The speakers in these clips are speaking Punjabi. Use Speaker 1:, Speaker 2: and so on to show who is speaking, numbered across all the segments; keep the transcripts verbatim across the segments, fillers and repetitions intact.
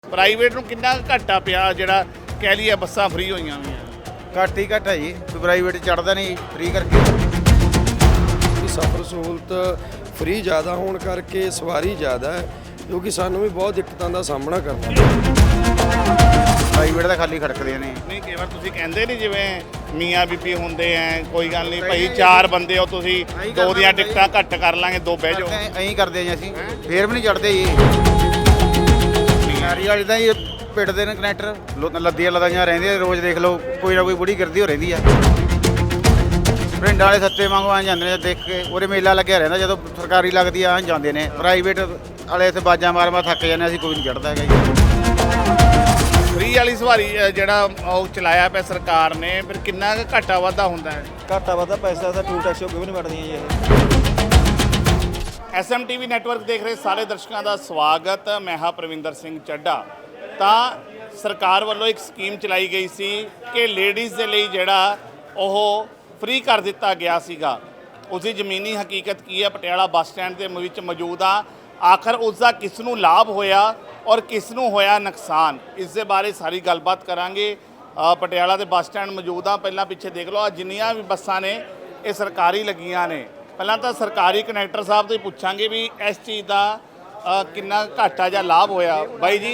Speaker 1: ਪ੍ਰਾਈਵੇਟ ਨੂੰ ਕਿੰਨਾ ਕੁ ਘਾਟਾ ਪਿਆ ਜਿਹੜਾ ਕਹਿ ਲਈਏ ਬੱਸਾਂ ਫ੍ਰੀ ਹੋਈਆਂ ਹੋਈਆਂ?
Speaker 2: ਘੱਟ ਹੀ ਘੱਟ ਹੈ ਜੀ, ਪ੍ਰਾਈਵੇਟ ਚੜਦਾ ਨਹੀਂ ਫ੍ਰੀ ਕਰਕੇ।
Speaker 3: ਸਫ਼ਰ ਸਹੂਲਤ ਫ੍ਰੀ ਜ਼ਿਆਦਾ ਹੋਣ ਕਰਕੇ ਸਵਾਰੀ ਜ਼ਿਆਦਾ ਹੈ, ਕਿਉਂਕਿ ਸਾਨੂੰ ਵੀ ਬਹੁਤ ਦਿੱਕਤਾਂ ਦਾ ਸਾਹਮਣਾ ਕਰਨਾ
Speaker 2: ਪ੍ਰਾਈਵੇਟ ਦਾ ਖਾਲੀ ਖੜਕਦੇ ਨੇ।
Speaker 1: ਨਹੀਂ, ਕਈ ਵਾਰ ਤੁਸੀਂ ਕਹਿੰਦੇ ਨਹੀਂ ਜਿਵੇਂ ਮੀਆਂ ਬੀਬੀ ਹੁੰਦੇ ਐ, ਕੋਈ ਗੱਲ ਨਹੀਂ ਭਾਈ ਚਾਰ ਬੰਦੇ ਹੋ ਤੁਸੀਂ, ਦੋ ਦੀਆਂ ਟਿਕਟਾਂ ਘੱਟ ਕਰ ਲਾਂਗੇ, ਦੋ ਬਹਿ ਜਾਓ।
Speaker 2: ਐਂ ਕਰਦੇ ਜੀ ਅਸੀਂ, ਫੇਰ ਵੀ ਨਹੀਂ ਚੜਦੇ ਜੀ। ਨਾਰੀ ਵਾਲੀ ਤਾਂ ਜੀ ਪਿੱਟਦੇ ਨੇ ਕਨੈਕਟਰ, ਲੱਦੀਆਂ ਲਦਾਈਆਂ ਰਹਿੰਦੀਆਂ ਰੋਜ਼। ਦੇਖ ਲਓ ਕੋਈ ਨਾ ਕੋਈ ਬੁੜੀ ਗਿਰਦੀ ਹੋ ਰਹਿੰਦੀ ਆ। ਪਿੰਡਾਂ ਵਾਲੇ ਸੱਤੇ ਵਾਂਗੂ ਆ ਜਾਂਦੇ ਨੇ, ਦੇਖ ਕੇ ਉਹਦੇ ਮੇਲਾ ਲੱਗਿਆ ਰਹਿੰਦਾ। ਜਦੋਂ ਸਰਕਾਰੀ ਲੱਗਦੀ ਆ ਜਾਂਦੇ ਨੇ, ਪ੍ਰਾਈਵੇਟ ਵਾਲੇ ਇੱਥੇ ਬਾਜਾਂ ਮਾਰ ਮਾਰ ਥੱਕ ਜਾਂਦੇ। ਅਸੀਂ ਕੋਈ ਨਹੀਂ ਚੜਦਾ ਹੈਗਾ ਜੀ।
Speaker 1: ਫ੍ਰੀ ਵਾਲੀ ਸਵਾਰੀ ਜਿਹੜਾ ਉਹ ਚਲਾਇਆ ਪਿਆ ਸਰਕਾਰ ਨੇ, ਫਿਰ ਕਿੰਨਾ ਕੁ ਘਾਟਾ ਵਾਧਾ ਹੁੰਦਾ ਹੈ?
Speaker 4: ਘਾਟਾ ਵਾਧਾ ਪੈਸਾ ਤਾਂ ਟੂਲ ਟੈਕਸ ਕਿਉਂ ਨਹੀਂ ਵੜਦੀਆਂ ਜੀ ਇਹ।
Speaker 1: S M T V network ਦੇਖ ਰਹੇ ਸਾਰੇ ਦਰਸ਼ਕਾਂ ਦਾ ਸਵਾਗਤ। ਮੈਂ ਹਾਂ ਪ੍ਰਵਿੰਦਰ ਸਿੰਘ ਚੱਡਾ। ਤਾਂ ਸਰਕਾਰ ਵੱਲੋਂ ਇੱਕ ਸਕੀਮ ਚਲਾਈ ਗਈ ਸੀ ਕਿ ਲੇਡੀਜ਼ ਦੇ ਲਈ ਜਿਹੜਾ ਉਹ ਫ੍ਰੀ ਕਰ ਦਿੱਤਾ ਗਿਆ ਸੀਗਾ। ਉਸਦੀ ਜ਼ਮੀਨੀ ਹਕੀਕਤ ਕੀ ਹੈ, ਪਟਿਆਲਾ ਬੱਸ ਸਟੈਂਡ ਦੇ ਵਿੱਚ ਮੌਜੂਦ ਆ। ਆਖਰ ਉਸ ਦਾ ਕਿਸ ਨੂੰ ਲਾਭ ਹੋਇਆ ਔਰ ਕਿਸ ਨੂੰ ਹੋਇਆ ਨੁਕਸਾਨ, ਇਸ ਦੇ ਬਾਰੇ ਸਾਰੀ ਗੱਲਬਾਤ ਕਰਾਂਗੇ। ਪਟਿਆਲਾ ਦੇ ਬੱਸ ਸਟੈਂਡ ਮੌਜੂਦ ਆ। ਪਹਿਲਾਂ ਪਿੱਛੇ ਦੇਖ ਲਓ, ਜਿੰਨੀਆਂ ਵੀ ਬੱਸਾਂ ਨੇ ਇਹ ਸਰਕਾਰੀ ਲੱਗੀਆਂ ਨੇ। ਪਹਿਲਾਂ ਤਾਂ ਸਰਕਾਰੀ ਕਨੈਕਟਰ ਸਾਹਿਬ ਤੋਂ ਹੀ ਪੁੱਛਾਂਗੇ ਵੀ ਇਸ ਚੀਜ਼ ਦਾ ਕਿੰਨਾ ਘਾਟਾ ਜਾਂ ਲਾਭ ਹੋਇਆ। ਬਾਈ ਜੀ,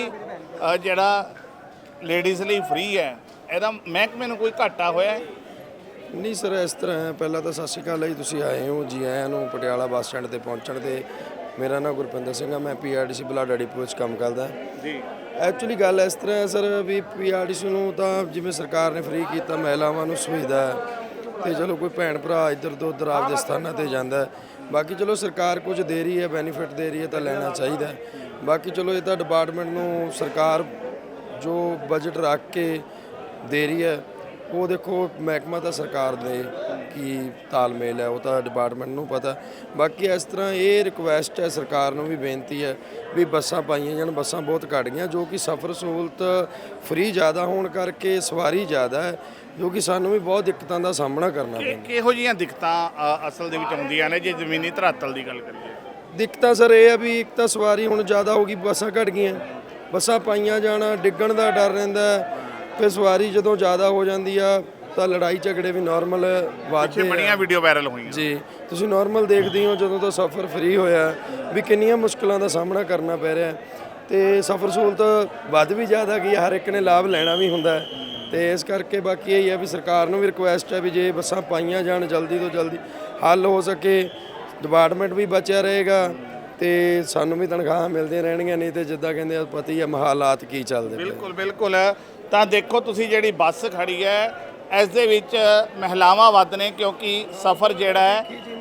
Speaker 1: ਜਿਹੜਾ ਲੇਡੀਜ਼ ਲਈ ਫ੍ਰੀ ਹੈ, ਇਹਦਾ ਮਹਿਕਮੇ ਨੂੰ ਕੋਈ ਘਾਟਾ ਹੋਇਆ?
Speaker 3: ਨਹੀਂ ਸਰ, ਇਸ ਤਰ੍ਹਾਂ ਹੈ। ਪਹਿਲਾਂ ਤਾਂ ਸਤਿ ਸ਼੍ਰੀ ਅਕਾਲ ਜੀ, ਤੁਸੀਂ ਆਏ ਹੋ, ਜੀ ਆਇਆਂ ਨੂੰ ਪਟਿਆਲਾ ਬੱਸ ਸਟੈਂਡ ਤੇ ਪਹੁੰਚਣ ਤੇ। ਮੇਰਾ ਨਾਮ ਗੁਰਪਿੰਦਰ ਸਿੰਘ ਆ, ਮੈਂ ਪੀ ਆਰ ਟੀ ਸੀ ਬਲਾਡਾ ਡਿਪੂ ਵਿੱਚ ਕੰਮ ਕਰਦਾ
Speaker 1: ਜੀ।
Speaker 3: ਐਕਚੁਅਲੀ ਗੱਲ ਇਸ ਤਰ੍ਹਾਂ ਹੈ ਸਰ ਵੀ ਪੀ ਆਰ ਟੀ ਸੀ ਨੂੰ ਤਾਂ ਜਿਵੇਂ ਸਰਕਾਰ ਨੇ ਫ੍ਰੀ ਕੀਤਾ, ਮਹਿਲਾਵਾਂ ਨੂੰ ਸੁਵਿਧਾ ਹੈ, ਤੇ ਚਲੋ ਕੋਈ ਭੈਣ ਭਰਾ ਇੱਧਰ ਤੋਂ ਉੱਧਰ ਆਪਦੇ ਸਥਾਨਾਂ ਤੇ ਜਾਂਦਾ। ਬਾਕੀ ਚਲੋ ਸਰਕਾਰ ਕੁਝ ਦੇ ਰਹੀ ਹੈ, ਬੈਨੀਫਿਟ ਦੇ ਰਹੀ ਹੈ, ਤਾਂ ਲੈਣਾ ਚਾਹੀਦਾ। ਬਾਕੀ ਚਲੋ ਇਹ ਤਾਂ ਡਿਪਾਰਟਮੈਂਟ ਨੂੰ ਸਰਕਾਰ ਜੋ ਬਜਟ ਰੱਖ ਕੇ ਦੇ ਰਹੀ ਹੈ, ਉਹ ਦੇਖੋ ਮਹਿਕਮਾ ਤਾਂ ਸਰਕਾਰ ਦੇ ਕੀ ਤਾਲਮੇਲ ਹੈ ਉਹ ਤਾਂ ਡਿਪਾਰਟਮੈਂਟ ਨੂੰ ਪਤਾ। ਬਾਕੀ ਇਸ ਤਰ੍ਹਾਂ ਇਹ ਰਿਕੁਐਸਟ ਹੈ, ਸਰਕਾਰ ਨੂੰ ਵੀ ਬੇਨਤੀ ਹੈ ਵੀ ਬੱਸਾਂ ਪਾਈਆਂ ਜਾਣ। ਬੱਸਾਂ ਬਹੁਤ ਘੱਟ ਗਈਆਂ, ਜੋ ਕਿ ਸਫ਼ਰ ਸਹੂਲਤ ਫ੍ਰੀ ਜ਼ਿਆਦਾ ਹੋਣ ਕਰਕੇ ਸਵਾਰੀ ਜ਼ਿਆਦਾ ਹੈ, ਜੋ ਕਿ ਸਾਨੂੰ ਵੀ ਬਹੁਤ ਦਿੱਕਤਾਂ ਦਾ ਸਾਹਮਣਾ ਕਰਨਾ ਪੈਂਦਾ।
Speaker 1: ਕਿਹੋ ਜਿਹੀਆਂ ਦਿੱਕਤਾਂ ਅ, ਅਸਲ ਦੇ ਵਿੱਚ ਆਉਂਦੀਆਂ ਨੇ ਜੇ ਜ਼ਮੀਨੀ ਧਰਾਤਲ ਦੀ ਗੱਲ ਕਰੀਏ?
Speaker 3: ਦਿੱਕਤਾਂ ਸਰ ਇਹ ਆ ਵੀ ਇੱਕ ਤਾਂ ਸਵਾਰੀ ਹੁਣ ਜ਼ਿਆਦਾ ਹੋ ਗਈ, ਬੱਸਾਂ ਘੱਟ ਗਈਆਂ। ਬੱਸਾਂ ਪਾਈਆਂ ਜਾਣਾ, ਡਿੱਗਣ ਦਾ ਡਰ ਰਹਿੰਦਾ। ਫਿਰ ਸਵਾਰੀ ਜਦੋਂ ਜ਼ਿਆਦਾ ਹੋ ਜਾਂਦੀ ਆ ਤਾਂ ਲੜਾਈ ਝਗੜੇ ਵੀ ਨਾਰਮਲ ਵੱਧਦੇ ਆ।
Speaker 1: ਬੜੀਆਂ ਵੀਡੀਓ ਵਾਇਰਲ ਹੋਈਆਂ
Speaker 3: ਜੀ, ਤੁਸੀਂ ਨਾਰਮਲ ਦੇਖਦੇ ਹੋ ਜਦੋਂ ਤੋਂ ਸਫ਼ਰ ਫ੍ਰੀ ਹੋਇਆ ਵੀ ਕਿੰਨੀਆਂ ਮੁਸ਼ਕਲਾਂ ਦਾ ਸਾਹਮਣਾ ਕਰਨਾ ਪੈ ਰਿਹਾ। ਤੇ ਸਫ਼ਰ ਸਹੂਲਤ ਵੱਧ ਵੀ ਜ਼ਿਆਦਾ ਗਈ, ਹਰ ਇੱਕ ਨੇ ਲਾਭ ਲੈਣਾ ਵੀ ਹੁੰਦਾ। ਤੇ ਇਸ ਕਰਕੇ ਬਾਕੀ ਇਹ ਹੈ ਵੀ ਸਰਕਾਰ ਨੂੰ ਵੀ ਰਿਕੁਐਸਟ ਹੈ ਵੀ ਜੇ ਬੱਸਾਂ ਪਾਈਆਂ ਜਾਣ, ਜਲਦੀ ਤੋਂ ਜਲਦੀ ਹੱਲ ਹੋ ਸਕੇ, ਡਿਪਾਰਟਮੈਂਟ ਵੀ ਬਚਿਆ ਰਹੇਗਾ ਤੇ ਸਾਨੂੰ ਵੀ ਤਨਖਾਹਾਂ ਮਿਲਦੀਆਂ ਰਹਿਣਗੀਆਂ। ਨਹੀਂ ਤੇ ਜਿੱਦਾਂ ਕਹਿੰਦੇ ਪਤਾ ਹੀ ਹੈ ਹਾਲਾਤ ਕੀ ਚੱਲਦੇ ਪਏ।
Speaker 1: ਬਿਲਕੁਲ ਬਿਲਕੁਲ। ਤਾਂ ਦੇਖੋ ਤੁਸੀਂ ਜਿਹੜੀ ਬੱਸ ਖੜੀ ਹੈ, ਇਸ ਦੇ ਵਿੱਚ ਮਹਿਲਾਵਾਂ ਵੱਧ ਨੇ, ਕਿਉਂਕਿ ਸਫ਼ਰ ਜਿਹੜਾ ਹੈ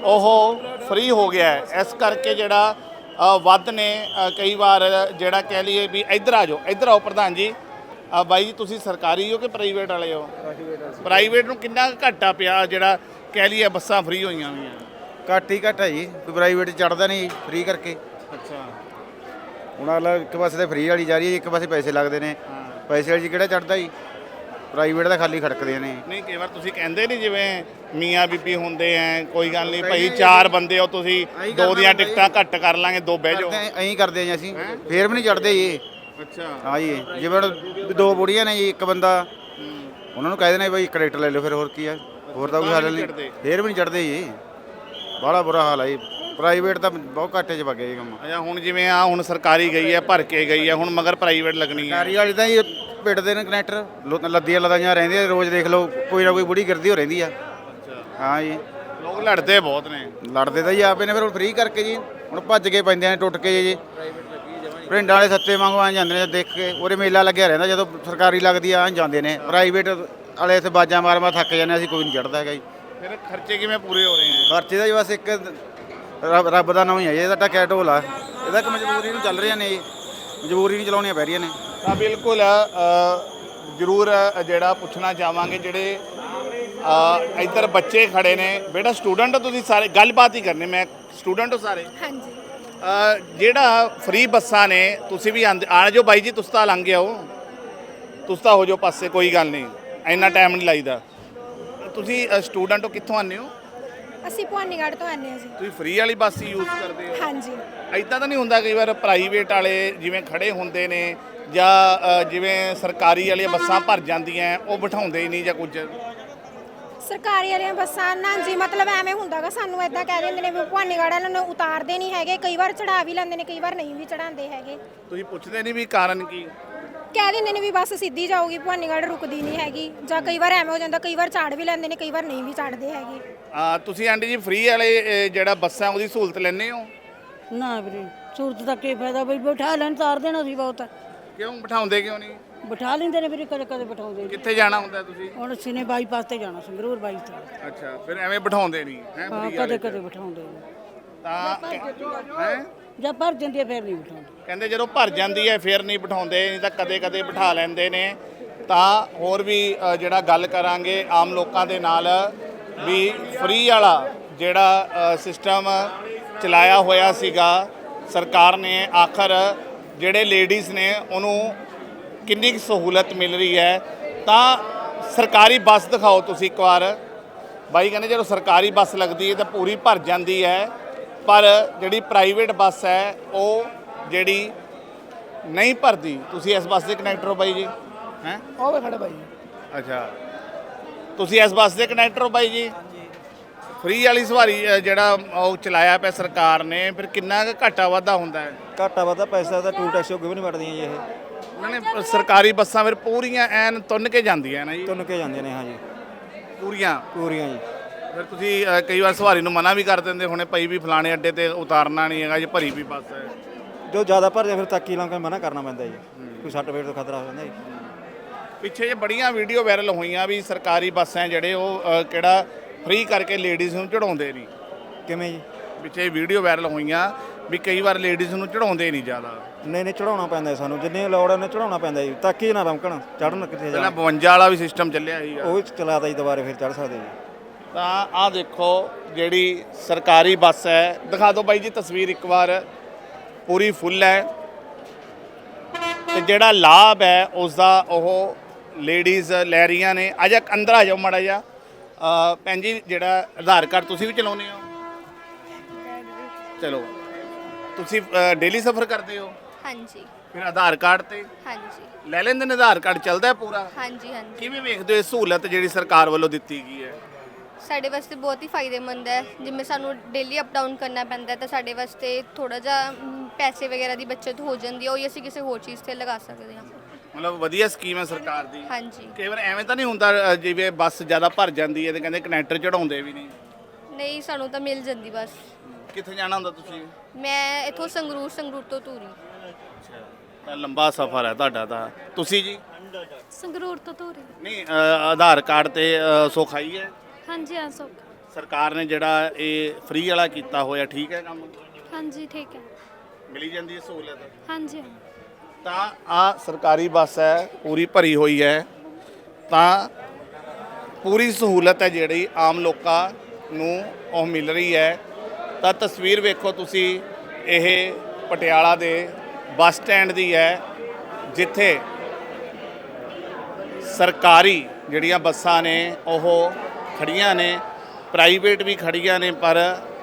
Speaker 1: ਉਹ ਫ੍ਰੀ ਹੋ ਗਿਆ ਹੈ। ਇਸ ਕਰਕੇ ਜਿਹੜਾ ਅ, ਵੱਧ ਨੇ। ਅ, ਕਈ ਵਾਰ ਜਿਹੜਾ ਕਹਿ ਲਈਏ ਵੀ ਇੱਧਰ ਆ ਜਾਓ, ਇੱਧਰ ਆਓ ਪ੍ਰਧਾਨ ਜੀ। ਅ, ਬਾਈ ਜੀ, ਤੁਸੀਂ ਸਰਕਾਰੀ ਹੋ ਕਿ ਪ੍ਰਾਈਵੇਟ ਵਾਲੇ ਹੋ? ਪ੍ਰਾਈਵੇਟ ਨੂੰ ਕਿੰਨਾ ਕੁ ਘਾਟਾ ਪਿਆ ਜਿਹੜਾ ਕਹਿ ਲਈਏ ਬੱਸਾਂ ਫ੍ਰੀ ਹੋਈਆਂ ਹੋਈਆਂ?
Speaker 2: ਘੱਟ ਹੀ ਘੱਟ ਹੈ ਜੀ, ਪ੍ਰਾਈਵੇਟ ਚੜਦਾ ਨਹੀਂ ਫ੍ਰੀ ਕਰਕੇ।
Speaker 1: ਅੱਛਾ।
Speaker 2: ਹੁਣ ਅਗਲਾ ਇੱਕ ਪਾਸੇ ਤੇ ਫ੍ਰੀ ਵਾਲੀ ਜਾ ਰਹੀ ਹੈ, ਇੱਕ ਪਾਸੇ ਪੈਸੇ ਲੱਗਦੇ ਨੇ। ਪੈਸੇ ਵਾਲੀ 'ਚ ਕਿਹੜਾ ਚੜਦਾ ਜੀ, ਪ੍ਰਾਈਵੇਟ ਦਾ ਖਾਲੀ ਖੜਕਦੇ ਨੇ।
Speaker 1: ਨਹੀਂ, ਕਈ ਵਾਰ ਤੁਸੀਂ ਕਹਿੰਦੇ ਨਹੀਂ ਜਿਵੇਂ ਮੀਆਂ ਬੀਬੀ ਹੁੰਦੇ ਐ, ਕੋਈ ਗੱਲ ਨਹੀਂ ਭਾਈ ਚਾਰ ਬੰਦੇ ਹੋ ਤੁਸੀਂ, ਦੋ ਦੀਆਂ ਟਿਕਟਾਂ ਘੱਟ ਕਰ ਲਾਂਗੇ, ਦੋ ਬਹਿ ਜਾਓ।
Speaker 2: ਐਂ ਕਰਦੇ ਜੀ ਅਸੀਂ, ਫੇਰ ਵੀ ਨਹੀਂ ਚੜਦੇ ਜੀ।
Speaker 1: ਅੱਛਾ।
Speaker 2: ਹਾਂ ਜੀ, ਜਿਵੇਂ ਹੁਣ ਦੋ ਬੁੜੀਆਂ ਨੇ ਜੀ, ਇੱਕ ਬੰਦਾ, ਉਹਨਾਂ ਨੂੰ ਕਹਿ ਦੇਣਾ ਬਈ ਇੱਕ ਟਿਕਟ ਲੈ ਲਓ, ਫਿਰ ਹੋਰ ਕੀ ਆ, ਹੋਰ ਤਾਂ ਕੋਈ ਹੱਲ ਨਹੀਂ। ਫੇਰ ਵੀ ਨਹੀਂ ਚੜਦੇ ਜੀ, ਬੜਾ ਬੁਰਾ ਹਾਲ ਹੈ ਜੀ। ਪ੍ਰਾਈਵੇਟ ਤਾਂ ਬਹੁਤ ਘਾਟੇ 'ਚ ਵਗਿਆ ਜੀ ਕੰਮ।
Speaker 1: ਅੱਛਾ, ਹੁਣ ਜਿਵੇਂ ਆ ਹੁਣ ਸਰਕਾਰੀ ਗਈ ਹੈ, ਭਰ ਕੇ ਗਈ ਹੈ, ਹੁਣ ਮਗਰ ਪ੍ਰਾਈਵੇਟ ਲੱਗਣੀ ਹੈ।
Speaker 2: ਸਰਕਾਰੀ ਵਾਲੀ ਤਾਂ ਜੀ ਪਿੱਟਦੇ ਨੇ ਕਨੈਕਟਰ, ਲੱਦੀਆਂ ਲਦਾਈਆਂ ਰਹਿੰਦੀਆਂ ਰੋਜ਼। ਦੇਖ ਲਓ ਕੋਈ ਨਾ ਕੋਈ ਬੁੜੀ ਗਿਰਦੀ ਹੋ ਰਹਿੰਦੀ ਆ। ਹਾਂ ਜੀ,
Speaker 1: ਲੋਕ ਲੜਦੇ ਬਹੁਤ ਨੇ।
Speaker 2: ਲੜਦੇ ਤਾਂ ਜੀ ਆਪੇ ਨੇ, ਫਿਰ ਹੁਣ ਫ੍ਰੀ ਕਰਕੇ ਜੀ ਹੁਣ ਭੱਜ ਕੇ ਪੈਂਦੇ ਨੇ, ਟੁੱਟ ਕੇ ਜੀ। ਪਿੰਡਾਂ ਵਾਲੇ ਸੱਤੇ ਵਾਂਗੂ ਆ ਜਾਂਦੇ ਨੇ, ਦੇਖ ਕੇ ਉਹਦੇ ਮੇਲਾ ਲੱਗਿਆ ਰਹਿੰਦਾ। ਜਦੋਂ ਸਰਕਾਰੀ ਲੱਗਦੀ ਆ ਜਾਂਦੇ ਨੇ, ਪ੍ਰਾਈਵੇਟ ਵਾਲੇ ਇੱਥੇ ਬਾਜਾਂ ਮਾਰ ਮਾਰ ਥੱਕ ਜਾਂਦੇ। ਅਸੀਂ ਕੋਈ ਨਹੀਂ ਚੜਦਾ ਹੈਗਾ ਜੀ।
Speaker 1: ਫਿਰ ਖਰਚੇ ਕਿਵੇਂ ਪੂਰੇ ਹੋ ਰਹੇ ਆ?
Speaker 2: ਖਰਚੇ ਦਾ ਜੀ ਬਸ ਇੱਕ ਰੱਬ ਰੱਬ ਦਾ ਨਾਮ ਹੀ ਹੈ ਜੀ, ਇਹਦਾ ਟੱਕਿਆ ਢੋਲ ਆ। ਇਹਦਾ ਇੱਕ ਮਜਬੂਰੀ ਨੂੰ ਚੱਲ ਰਹੀਆਂ ਨੇ ਜੀ, ਮਜਬੂਰੀ ਨੂੰ ਚਲਾਉਣੀਆਂ ਪੈ ਰਹੀਆਂ ਨੇ।
Speaker 1: ਤਾਂ ਬਿਲਕੁਲ ਜ਼ਰੂਰ ਜਿਹੜਾ ਪੁੱਛਣਾ ਚਾਹਾਂਗੇ, ਜਿਹੜੇ ਇੱਧਰ ਬੱਚੇ ਖੜੇ ਨੇ। ਬੇਟਾ ਸਟੂਡੈਂਟ ਹੋ ਤੁਸੀਂ ਸਾਰੇ? ਗੱਲਬਾਤ ਹੀ ਕਰਨੀ। ਮੈਂ ਸਟੂਡੈਂਟ ਹੋ ਸਾਰੇ?
Speaker 5: ਹਾਂਜੀ।
Speaker 1: ਜਿਹੜਾ ਫ੍ਰੀ ਬੱਸਾਂ ਨੇ, ਤੁਸੀਂ ਵੀ ਆਂਦੇ ਆ ਜਾਓ ਬਾਈ ਜੀ, ਤੁਸੀਂ ਤਾਂ ਲੰਘ ਆਓ, ਤੁਸੀਂ ਤਾਂ ਹੋ ਜਾਓ ਪਾਸੇ, ਕੋਈ ਗੱਲ ਨਹੀਂ, ਇੰਨਾ ਟਾਈਮ ਨਹੀਂ ਲਾਈਦਾ। ਤੁਸੀਂ ਸਟੂਡੈਂਟ ਹੋ, ਕਿੱਥੋਂ ਆਉਂਦੇ ਹੋ?
Speaker 5: ਅਸੀਂ ਭਵਾਨੀਗੜ੍ਹ ਤੋਂ ਆਨੇ ਹਾਂ ਜੀ।
Speaker 1: ਤੁਸੀਂ ਫ੍ਰੀ ਵਾਲੀ ਬੱਸ ਹੀ ਯੂਜ਼ ਕਰਦੇ ਹੋ?
Speaker 5: ਹਾਂਜੀ।
Speaker 1: ਐਦਾਂ ਤਾਂ ਨਹੀਂ ਹੁੰਦਾ ਕਈ ਵਾਰ ਪ੍ਰਾਈਵੇਟ ਵਾਲੇ ਜਿਵੇਂ ਖੜੇ ਹੁੰਦੇ ਨੇ ਜਾਂ ਅ, ਜਿਵੇਂ ਸਰਕਾਰੀ ਵਾਲੀਆਂ ਬੱਸਾਂ ਭਰ ਜਾਂਦੀਆਂ ਉਹ ਬਿਠਾਉਂਦੇ ਹੀ ਨਹੀਂ ਜਾਂ ਕੁਝ?
Speaker 5: ਸਰਕਾਰੀ ਵਾਲੀਆਂ ਬੱਸਾਂ ਨਾ ਜੀ, ਮਤਲਬ ਐਵੇਂ ਹੁੰਦਾਗਾ, ਸਾਨੂੰ ਇਦਾਂ ਕਹਿ ਦਿੰਦੇ ਨੇ ਵੀ ਭਵਾਨੀਗੜ੍ਹ ਵਾਲਿਆਂ ਨੂੰ ਉਤਾਰਦੇ ਨਹੀਂ ਹੈਗੇ, ਕਈ ਵਾਰ ਚੜਾ ਵੀ ਲੈਂਦੇ ਨੇ, ਕਈ ਵਾਰ ਨਹੀਂ ਵੀ ਚੜਾਉਂਦੇ ਹੈਗੇ।
Speaker 1: ਤੁਸੀਂ ਪੁੱਛਦੇ ਨਹੀਂ ਵੀ ਕਾਰਨ ਕੀ?
Speaker 5: ਕਹਿ ਦਿੰਦੇ ਨੇ ਵੀ ਬੱਸ ਸਿੱਧੀ ਜਾਊਗੀ, ਭਵਾਨੀਗੜ੍ਹ ਰੁਕਦੀ ਨਹੀਂ ਹੈਗੀ, ਜਾਂ ਕਈ ਵਾਰ ਐਵੇਂ ਹੋ ਜਾਂਦਾ, ਕਈ ਵਾਰ ਚਾੜ ਵੀ ਲੈਂਦੇ ਨੇ, ਕਈ ਵਾਰ ਨਹੀਂ ਵੀ ਚੜਦੇ ਹੈਗੇ।
Speaker 1: ਆ ਤੁਸੀਂ ਆਂਟੀ ਜੀ ਫ੍ਰੀ ਵਾਲੇ ਅ, ਜਿਹੜਾ ਬੱਸਾਂ ਉਹਦੀ ਸਹੂਲਤ ਲੈਂਦੇ ਹੋ?
Speaker 6: ਨਾ ਵੀਰੇ, ਸੂਰਤ ਦਾ ਕੀ ਫਾਇਦਾ ਬਈ, ਬਿਠਾ ਲੈਣ ਤਾਰ ਦੇਣਾ ਸੀ ਬਹੁਤ।
Speaker 1: ਕਿਉਂ ਬਿਠਾਉਂਦੇ ਕਿਉਂ ਨਹੀਂ?
Speaker 6: ਬਿਠਾ ਲੈਂਦੇ ਨੇ ਵੀਰੇ, ਕਦੇ ਕਦੇ ਬਿਠਾਉਂਦੇ ਨੇ।
Speaker 1: ਕਿੱਥੇ ਜਾਣਾ ਹੁੰਦਾ ਤੁਸੀਂ?
Speaker 6: ਹੁਣ ਅਸੀਂ ਨੇ ਬਾਈਪਾਸ ਤੇ ਜਾਣਾ, ਸੰਗਰੂਰ ਬਾਈ ਤੇ।
Speaker 1: ਅੱਛਾ, ਫਿਰ ਐਵੇਂ ਬਿਠਾਉਂਦੇ ਨਹੀਂ ਹੈ?
Speaker 6: ਹਾਂ, ਕਦੇ ਕਦੇ ਬਿਠਾਉਂਦੇ ਨੇ।
Speaker 1: ਤਾਂ ਹੈ
Speaker 6: ਜਦ ਭਰ ਜਾਂਦੀ ਹੈ ਫਿਰ ਨਹੀਂ ਬਿਠਾਉਂਦੇ।
Speaker 1: ਕਹਿੰਦੇ ਜਦੋਂ ਭਰ ਜਾਂਦੀ ਹੈ ਫਿਰ ਨਹੀਂ ਬਿਠਾਉਂਦੇ, ਨਹੀਂ ਤਾਂ ਕਦੇ ਕਦੇ ਬਿਠਾ ਲੈਂਦੇ ਨੇ। ਤਾਂ ਹੋਰ ਵੀ ਅ, ਜਿਹੜਾ ਗੱਲ ਕਰਾਂਗੇ ਆਮ ਲੋਕਾਂ ਦੇ ਨਾਲ ਵੀ ਫ੍ਰੀ ਵਾਲਾ ਜਿਹੜਾ ਸਿਸਟਮ ਚਲਾਇਆ ਹੋਇਆ ਸੀਗਾ ਸਰਕਾਰ ਨੇ, ਆਖਰ ਜਿਹੜੇ ਲੇਡੀਜ਼ ਨੇ ਉਹਨੂੰ ਕਿੰਨੀ ਕੁ ਸਹੂਲਤ ਮਿਲ ਰਹੀ ਹੈ। ਤਾਂ ਸਰਕਾਰੀ ਬੱਸ ਦਿਖਾਓ ਤੁਸੀਂ ਇੱਕ ਵਾਰ। ਬਾਈ ਕਹਿੰਦੇ ਜਦੋਂ ਸਰਕਾਰੀ ਬੱਸ ਲੱਗਦੀ ਹੈ ਤਾਂ ਪੂਰੀ ਭਰ ਜਾਂਦੀ ਹੈ, ਪਰ ਜਿਹੜੀ ਪ੍ਰਾਈਵੇਟ ਬੱਸ ਹੈ ਉਹ ਜਿਹੜੀ ਨਹੀਂ ਭਰਦੀ। ਤੁਸੀਂ ਇਸ ਬੱਸ ਦੇ ਕਨੈਕਟਰ ਹੋ ਬਾਈ ਜੀ? ਹੈ
Speaker 7: ਉਹ ਵੇ ਖੜਾ ਬਾਈ।
Speaker 1: ਅੱਛਾ, ਤੁਸੀਂ ਇਸ ਬੱਸ ਦੇ ਕਨੈਕਟਰ ਹੋ ਬਾਈ ਜੀ? ਫ੍ਰੀ ਵਾਲੀ ਸਵਾਰੀ ਅ, ਜਿਹੜਾ ਉਹ ਚਲਾਇਆ ਪਿਆ ਸਰਕਾਰ ਨੇ, ਫਿਰ ਕਿੰਨਾ ਕੁ ਘਾਟਾ ਵਾਧਾ ਹੁੰਦਾ ਹੈ?
Speaker 4: ਘਾਟਾ ਵਾਧਾ ਪੈਸਾ ਤਾਂ ਟੂਲ ਟੈਕਸ ਕਿਉਂ ਨਹੀਂ ਵੜਦੀਆਂ ਜੀ ਇਹ?
Speaker 1: ਉਹਨਾਂ ਨੇ ਸਰਕਾਰੀ ਬੱਸਾਂ ਫਿਰ ਪੂਰੀਆਂ ਐਨ ਤੁੰਨ ਕੇ ਜਾਂਦੀਆਂ ਨਾ ਜੀ?
Speaker 4: ਤੁੰਨ ਕੇ ਜਾਂਦੀਆਂ ਨੇ, ਹਾਂ ਜੀ,
Speaker 1: ਪੂਰੀਆਂ
Speaker 4: ਪੂਰੀਆਂ ਜੀ।
Speaker 1: ਫਿਰ ਤੁਸੀਂ ਅ, ਕਈ ਵਾਰ ਸਵਾਰੀ ਨੂੰ ਮਨਾ ਵੀ ਕਰ ਦਿੰਦੇ ਹੋਣੇ, ਪਈ ਵੀ ਫਲਾਣੇ ਅੱਡੇ ਤੇ ਉਤਾਰਨਾ ਨਹੀਂ ਹੈਗਾ, ਜੇ ਭਰੀ ਵੀ ਬੱਸ ਹੈ।
Speaker 4: ਜੋ ਜ਼ਿਆਦਾ ਭਰ ਜਾ ਫਿਰ ਤਾਕੀ ਲਾਂ ਕੇ ਮਨਾ ਕਰਨਾ ਪੈਂਦਾ ਜੀ, ਕੋਈ ਸੱਟ ਫੇਟ ਤੋਂ ਖਤਰਾ ਹੋ ਜਾਂਦਾ ਜੀ।
Speaker 1: ਪਿੱਛੇ ਜੇ ਬੜੀਆਂ ਵੀਡੀਓ ਵਾਇਰਲ ਹੋਈਆਂ ਵੀ ਸਰਕਾਰੀ ਬੱਸਾਂ ਜਿਹੜੇ ਉਹ ਅ, ਕਿਹੜਾ ਫ੍ਰੀ ਕਰਕੇ ਲੇਡੀਜ਼ ਨੂੰ ਚੜਾਉਂਦੇ ਨਹੀਂ।
Speaker 4: ਕਿਵੇਂ ਜੀ?
Speaker 1: ਪਿੱਛੇ ਵੀਡੀਓ ਵਾਇਰਲ ਹੋਈਆਂ ਵੀ ਕਈ ਵਾਰ ਲੇਡੀਜ਼ ਨੂੰ ਚੜਾਉਂਦੇ ਨਹੀਂ ਜ਼ਿਆਦਾ।
Speaker 4: ਨਹੀਂ ਨਹੀਂ, ਚੜਾਉਣਾ ਪੈਂਦਾ ਸਾਨੂੰ, ਜਿੰਨੇ ਲੋੜ ਉਹਨੇ ਚੜਾਉਣਾ ਪੈਂਦਾ ਜੀ, ਤਾਕੀ ਨਾ ਰਮਕਣ ਚੜਨ ਕਿੱਥੇ
Speaker 1: ਪਹਿਲਾਂ
Speaker 4: ਜਾਣਾ।
Speaker 1: ਬਵੰਜਾ ਵਾਲਾ ਵੀ ਸਿਸਟਮ ਚੱਲਿਆ ਸੀਗਾ,
Speaker 4: ਉਹ ਵੀ ਚਲਾਤਾ ਜੀ, ਦੁਬਾਰੇ ਫਿਰ ਚੜ ਸਕਦੇ ਜੀ।
Speaker 1: ਤਾਂ ਆਹ ਦੇਖੋ ਜਿਹੜੀ ਸਰਕਾਰੀ ਬੱਸ ਹੈ, ਦਿਖਾ ਦਿਓ ਬਾਈ ਜੀ ਤਸਵੀਰ ਇੱਕ ਵਾਰ, ਪੂਰੀ ਫੁੱਲ ਹੈ। ਤੇ ਜਿਹੜਾ ਲਾਭ ਹੈ ਉਸ ਦਾ ਉਹ ਲੇਡੀਜ਼ ਲੈ ਰਹੀਆਂ ਨੇ। ਆ ਜਾ ਅੰਦਰ ਆ ਜਾਓ ਮਾੜਾ ਜਿਹਾ। ਅ, ਭੈਣ ਜੀ ਜਿਹੜਾ ਆਧਾਰ ਕਾਰਡ ਤੁਸੀਂ ਵੀ ਚਲਾਉਂਦੇ ਹੋ? ਚਲੋ, ਤੁਸੀਂ ਡੇਲੀ ਸਫ਼ਰ ਕਰਦੇ ਹੋ?
Speaker 8: ਹਾਂਜੀ
Speaker 1: ਫਿਰ ਆਧਾਰ ਕਾਰਡ ਤੇ
Speaker 8: ਹਾਂਜੀ
Speaker 1: ਲੈ ਲੈਂਦੇ ਨੇ? ਆਧਾਰ ਕਾਰਡ ਚੱਲਦਾ ਹੈ ਪੂਰਾ?
Speaker 8: ਹਾਂਜੀ ਹਾਂਜੀ
Speaker 1: ਕਿਵੇਂ ਵੇਖਦੇ ਹੋ ਇਹ ਸਹੂਲਤ ਜਿਹੜੀ ਸਰਕਾਰ ਵੱਲੋਂ ਦਿੱਤੀ ਗਈ ਹੈ?
Speaker 8: ਸਾਡੇ ਵਾਸਤੇ ਬਹੁਤ ਹੀ ਫਾਇਦੇਮੰਦ ਹੈ। ਜਿਵੇਂ ਸਾਨੂੰ ਡੇਲੀ ਅਪ ਡਾਊਨ ਕਰਨਾ ਪੈਂਦਾ ਹੈ ਤਾਂ ਸਾਡੇ ਵਾਸਤੇ ਥੋੜਾ ਜਿਹਾ ਮ, ਪੈਸੇ ਵਗੈਰਾ ਦੀ ਬਚਤ ਹੋ ਜਾਂਦੀ ਹੈ, ਉਹ ਹੀ ਅਸੀਂ ਕਿਸੇ ਹੋਰ ਚੀਜ਼ ਤੇ ਲਗਾ ਸਕਦੇ ਹਾਂ।
Speaker 1: ਮਤਲਬ ਵਧੀਆ ਸਕੀਮ ਹੈ ਸਰਕਾਰ ਦੀ।
Speaker 8: ਹਾਂਜੀ।
Speaker 1: ਕਈ ਵਾਰ ਐਵੇਂ ਤਾਂ ਨਹੀਂ ਹੁੰਦਾ ਅ, ਜਿਵੇਂ ਬੱਸ ਜ਼ਿਆਦਾ ਭਰ ਜਾਂਦੀ ਹੈ ਤੇ ਕਹਿੰਦੇ ਕਨੈਕਟਰ ਚੜਾਉਂਦੇ ਵੀ ਨਹੀਂ?
Speaker 8: ਨਹੀਂ, ਸਾਨੂੰ ਤਾਂ ਮਿਲ ਜਾਂਦੀ ਬਸ।
Speaker 1: ਕਿੱਥੇ ਜਾਣਾ ਹੁੰਦਾ ਤੁਸੀਂ?
Speaker 8: ਮੈਂ ਇੱਥੋਂ ਸੰਗਰੂਰ ਸੰਗਰੂਰ ਤੋਂ ਧੂਰੀ।
Speaker 1: ਤਾਂ ਲੰਬਾ ਸਫ਼ਰ ਹੈ ਤੁਹਾਡਾ ਤਾਂ। ਤੁਸੀਂ ਜੀ?
Speaker 9: ਸੰਗਰੂਰ ਤੋਂ ਧੂਰੀ।
Speaker 1: ਨਹੀਂ, ਅ, ਆਧਾਰ ਕਾਰਡ ਤੇ ਅ, ਸੌਖਾਈ ਹੈ?
Speaker 9: ਹਾਂਜੀ ਹਾਂ ਸੋ
Speaker 1: ਸਰਕਾਰ ਨੇ ਜਿਹੜਾ ਇਹ ਫ੍ਰੀ ਵਾਲਾ ਕੀਤਾ ਹੋਇਆ, ਠੀਕ ਹੈ ਕੰਮ?
Speaker 9: ਹਾਂਜੀ ਠੀਕ ਹੈ।
Speaker 1: ਮਿਲੀ ਜਾਂਦੀ ਹੈ ਸਹੂਲਤ?
Speaker 9: ਹਾਂਜੀ
Speaker 1: ਤਾਂ ਆ ਸਰਕਾਰੀ ਬੱਸ ਹੈ, ਪੂਰੀ ਭਰੀ ਹੋਈ ਹੈ। ਤਾਂ ਪੂਰੀ ਸਹੂਲਤ ਹੈ ਜਿਹੜੀ ਆਮ ਲੋਕਾਂ ਨੂੰ ਉਹ ਮਿਲ ਰਹੀ ਹੈ। ਤਾਂ ਤਸਵੀਰ ਵੇਖੋ ਤੁਸੀਂ, ਇਹ ਪਟਿਆਲਾ ਦੇ ਬੱਸ ਸਟੈਂਡ ਦੀ ਹੈ, ਜਿੱਥੇ ਸਰਕਾਰੀ ਜਿਹੜੀਆਂ ਬੱਸਾਂ ਨੇ ਉਹ ਖੜੀਆਂ ਨੇ, ਪ੍ਰਾਈਵੇਟ ਵੀ ਖੜੀਆਂ ਨੇ। ਪਰ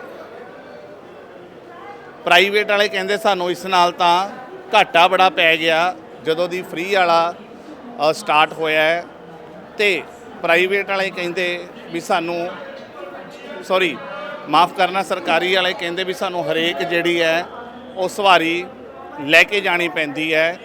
Speaker 1: ਪ੍ਰਾਈਵੇਟ ਵਾਲੇ ਕਹਿੰਦੇ ਸਾਨੂੰ ਇਸ ਨਾਲ ਤਾਂ ਘਾਟਾ ਬੜਾ ਪੈ ਗਿਆ ਜਦੋਂ ਦੀ ਫ੍ਰੀ ਵਾਲਾ ਸਟਾਰਟ ਹੋਇਆ ਹੈ। ਤੇ ਪ੍ਰਾਈਵੇਟ ਵਾਲੇ ਕਹਿੰਦੇ ਵੀ ਸਾਨੂੰ, ਸੌਰੀ ਮਾਫ ਕਰਨਾ, ਸਰਕਾਰੀ ਵਾਲੇ ਕਹਿੰਦੇ ਵੀ ਸਾਨੂੰ ਹਰੇਕ ਜਿਹੜੀ ਹੈ ਉਹ ਸਵਾਰੀ ਲੈ ਕੇ ਜਾਣੀ ਪੈਂਦੀ ਹੈ।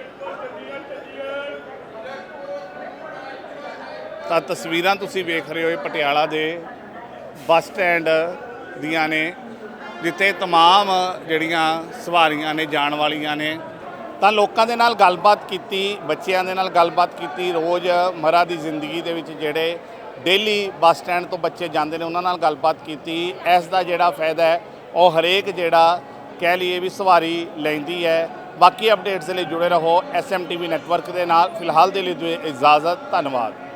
Speaker 1: ਤਾਂ ਤਸਵੀਰਾਂ ਤੁਸੀਂ ਵੇਖ ਰਹੇ ਹੋ ਇਹ ਪਟਿਆਲਾ ਦੇ ਬੱਸ ਸਟੈਂਡ ਦੀਆਂ ਨੇ, ਜਿੱਥੇ ਤਮਾਮ ਜਿਹੜੀਆਂ ਸਵਾਰੀਆਂ ਨੇ ਜਾਣ ਵਾਲੀਆਂ ਨੇ। ਤਾਂ ਲੋਕਾਂ ਦੇ ਨਾਲ ਗੱਲਬਾਤ ਕੀਤੀ, ਬੱਚਿਆਂ ਦੇ ਨਾਲ ਗੱਲਬਾਤ ਕੀਤੀ, ਰੋਜ਼ ਮਰਾ ਦੀ ਜ਼ਿੰਦਗੀ ਦੇ ਵਿੱਚ ਜਿਹੜੇ ਡੇਲੀ ਬੱਸ ਸਟੈਂਡ ਤੋਂ ਬੱਚੇ ਜਾਂਦੇ ਨੇ ਉਹਨਾਂ ਨਾਲ ਗੱਲਬਾਤ ਕੀਤੀ। ਇਸ ਦਾ ਜਿਹੜਾ ਫਾਇਦਾ ਹੈ ਉਹ ਹਰੇਕ ਜਿਹੜਾ ਕਹਿ ਲਈਏ ਵੀ ਸਵਾਰੀ ਲੈਂਦੀ ਹੈ। ਬਾਕੀ ਅਪਡੇਟਸ ਦੇ ਲਈ ਜੁੜੇ ਰਹੋ S M T V network ਦੇ ਨਾਲ। ਫਿਲਹਾਲ ਦੇ ਲਈ ਦਿਓ ਇਜਾਜ਼ਤ, ਧੰਨਵਾਦ।